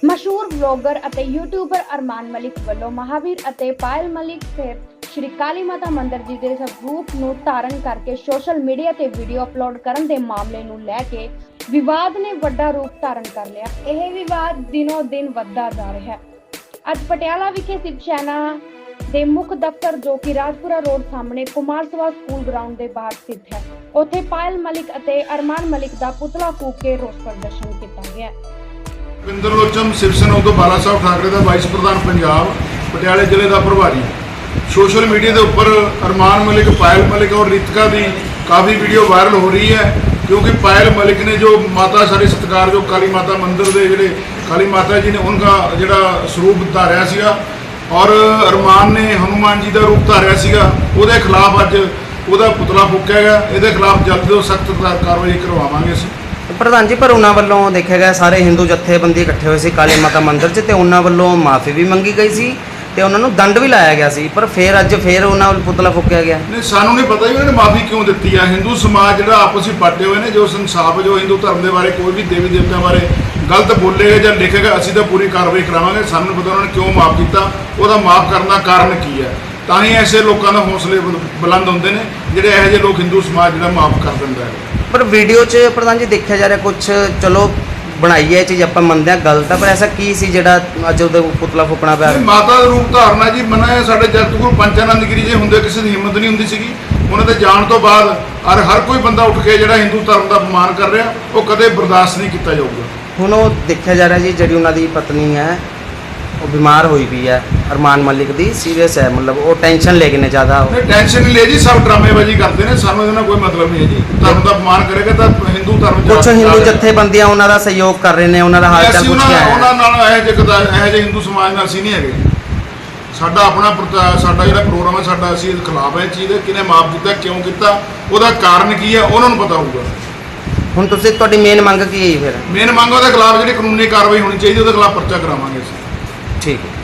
ਮਸ਼ਹੂਰ ਵਲੌਗਰ ਅਤੇ ਯੂਟਿਊਬਰ ਅਰਮਾਨ ਮਲਿਕ ਵੱਲੋਂ ਮਹਾਵੀਰ ਅਤੇ ਪਾਇਲ ਮਲਿਕ ਸਹਿਤ ਸ਼੍ਰੀ ਕਾਲੀ ਮਾਤਾ ਮੰਦਿਰ ਜੀ ਦੇ ਸਰੂਪ ਨੂੰ ਧਾਰਨ ਕਰਕੇ ਸੋਸ਼ਲ ਮੀਡੀਆ ਤੇ ਵੀਡੀਓ ਅਪਲੋਡ ਕਰਨ ਦੇ ਮਾਮਲੇ ਨੂੰ ਲੈ ਕੇ ਵਿਵਾਦ ਨੇ ਵੱਡਾ ਰੂਪ ਧਾਰਨ ਕਰ ਲਿਆ। ਇਹ ਵਿਵਾਦ ਦਿਨੋਂ ਦਿਨ ਵੱਧਦਾ ਜਾ ਰਿਹਾ ਹੈ। ਅੱਜ ਪਟਿਆਲਾ ਵਿਖੇ ਸ਼ਿਵ ਸੈਨਾ ਦੇ ਮੁੱਖ ਦਫ਼ਤਰ ਜੋ ਕਿ ਰਾਜਪੁਰਾ ਰੋਡ ਸਾਹਮਣੇ ਕੁਮਾਰ ਸਭਾ ਸਕੂਲ ਗਰਾਊਂਡ ਦੇ ਬਾਹਰ ਸਥਿਤ ਹੈ, ਉੱਥੇ ਪਾਇਲ ਮਲਿਕ ਅਤੇ ਅਰਮਾਨ ਮਲਿਕ ਦਾ ਪੁਤਲਾ ਫੂਕ ਕੇ ਰੋਸ ਪ੍ਰਦਰਸ਼ਨ ਕੀਤਾ ਗਿਆ। ਵਿੰਦਰਲੋਚਨ ਸ਼ਿਵ ਸੈਨਾ ਉਦੋਂ ਬਾਲਾ ਸਾਹਿਬ ਠਾਕਰੇ ਦਾ ਵਾਈਸ ਪ੍ਰਧਾਨ ਪੰਜਾਬ ਪਟਿਆਲੇ ਜ਼ਿਲ੍ਹੇ ਦਾ ਪ੍ਰਭਾਰੀ। ਸੋਸ਼ਲ ਮੀਡੀਆ ਦੇ ਉੱਪਰ ਅਰਮਾਨ ਮਲਿਕ, ਪਾयल मलिक और रितिका की काफ़ी वीडियो वायरल हो रही है, क्योंकि पायल मलिक ने जो माता सारे सत्कार जो काली माता मंदिर के जोड़े काली माता जी ने उनका जोड़ा स्वरूप धारिया सीगा और अरमान ने हनुमान जी का रूप धारिया सीगा, उसके खिलाफ अज ਉਹਦਾ पुतला फूकिया गया। ਇਹਦੇ खिलाफ जल्द ਤੋਂ सख्त कार्रवाई करवावांगे ਅਸੀਂ। प्रधान जी, पर उन्होंने वालों देखा गया सारे हिंदू जत्थेबंदी इकट्ठे हुए सी काली माता मंदिर च, ते उन्होंने वालों माफ़ी भी मंगी गई सी ते उन्होंने दंड भी लाया गया सी, पर फिर अज फिर उन्होंने पुतला फूकिया गया। नहीं, सानू नहीं पता ही उन्होंने माफ़ी क्यों दी है। हिंदू समाज जो आपस में पाटे हुए हैं, जो इंसाफ जो हिंदू धर्म के बारे कोई भी देवी देवता बारे गलत बोलेगा या लिखेगा, असीं तो पूरी कार्रवाई करावांगे। सानू पता उन्होंने क्यों माफ़ किया, उसका माफ़ करने का कारण की है। ਤਾਂ ਹੀ ऐसे लोगों का हौसले बुलंद होंगे ने ਜਿਹੜੇ ਇਹੋ ਜਿਹੇ लोग हिंदू समाज ਜਿਹੜਾ माफ़ कर ਦਿੰਦਾ है। पर वीडियो च प्रधान जी देखा जा रहा कुछ चलो बनाई है चीज़ आप मनते हैं गलत है, पर ऐसा की सी ਜਿਹੜਾ ਅੱਜ ਉਹਦੇ ਪੁਤਲਾ ਫੂਕਣਾ ਪਿਆ। ਮਾਤਾ ਦਾ ਰੂਪ ਧਾਰਨਾ ਜੀ ਮਨਾ ਹੈ। ਸਾਡੇ ਜਗਤ ਗੁਰੂ ਪੰਚਾਨੰਦ ਗਿਰੀ ਜੀ ਹੁੰਦੇ ਕਿਸੇ ਦੀ ਹਿੰਮਤ ਨਹੀਂ ਹੁੰਦੀ ਸੀਗੀ। ਉਹਨਾਂ ਦੇ ਜਾਣ ਤੋਂ ਬਾਅਦ ਹਰ ਕੋਈ ਬੰਦਾ ਉੱਠ ਕੇ ਜਿਹੜਾ ਹਿੰਦੂ ਧਰਮ ਦਾ ਅਪਮਾਨ ਕਰ ਰਿਹਾ, ਉਹ ਕਦੇ ਬਰਦਾਸ਼ਤ ਨਹੀਂ ਕੀਤਾ ਜਾਊਗਾ। ਹੁਣ ਉਹ ਦੇਖਿਆ ਜਾ ਰਿਹਾ ਜੀ ਜਿਹੜੀ ਉਹਨਾਂ ਦੀ ਪਤਨੀ ਹੈ ਉਹ बीमार हुई भी है, अरमान मलिक दी सीरियस है, मतलब वो टेंशन ले गए ज़्यादा। नहीं, टेंशन नहीं ले जी, सब ड्रामेबाजी करते हैं, सानू ਇਹਦਾ ਕੋਈ ਮਤਲਬ ਨਹੀਂ ਹੈ ਜੀ। ਧਰਮ ਦਾ ਅਪਮਾਨ ਕਰੇਗਾ ਤਾਂ ਹਿੰਦੂ ਧਰਮ ਕੁਝ ਹਿੰਦੂ ਜਥੇਬੰਦੀਆਂ ਉਹਨਾਂ ਦਾ ਸਹਿਯੋਗ ਕਰ ਰਹੇ ਨੇ, ਉਹਨਾਂ ਦਾ ਹਾਲ ਚਾਲ ਪੁੱਛ ਕੇ ਆਏ। ਉਹਨਾਂ ਨਾਲ ਇਹੋ ਜਿਹੇ ਹਿੰਦੂ ਸਮਾਜ ਨਾਲ ਅਸੀਂ ਨਹੀਂ ਹੈਗੇ। ਸਾਡਾ ਆਪਣਾ ਸਾਡਾ ਜਿਹੜਾ ਪ੍ਰੋਗਰਾਮ ਹੈ, ਸਾਡਾ ਅਸੀਂ ਇਹਦੇ ਖਿਲਾਫ ਹੈ ਚੀਜ਼ ਦੇ। ਕਿਹਨੇ ਮਾਫ ਕੀਤਾ, ਕਿਉਂ ਕੀਤਾ, ਉਹਦਾ ਕਾਰਨ ਕੀ ਹੈ, ਉਹਨਾਂ ਨੂੰ ਪਤਾ ਹੋਊਗਾ। ਹੁਣ ਤੁਸੀਂ ਤੁਹਾਡੀ ਮੇਨ ਮੰਗ ਕੀ ਹੈ ਫਿਰ? ਮੇਨ ਮੰਗ ਉਹਦੇ ਖਿਲਾਫ ਜਿਹੜੀ ਕਾਨੂੰਨੀ ਕਾਰਵਾਈ ਹੋਣੀ ਚਾਹੀਦੀ, ਉਹਦੇ ਖਿਲਾਫ ਪਰਚਾ ਕਰਾਵਾਂਗੇ ਅਸੀਂ। ठीक है।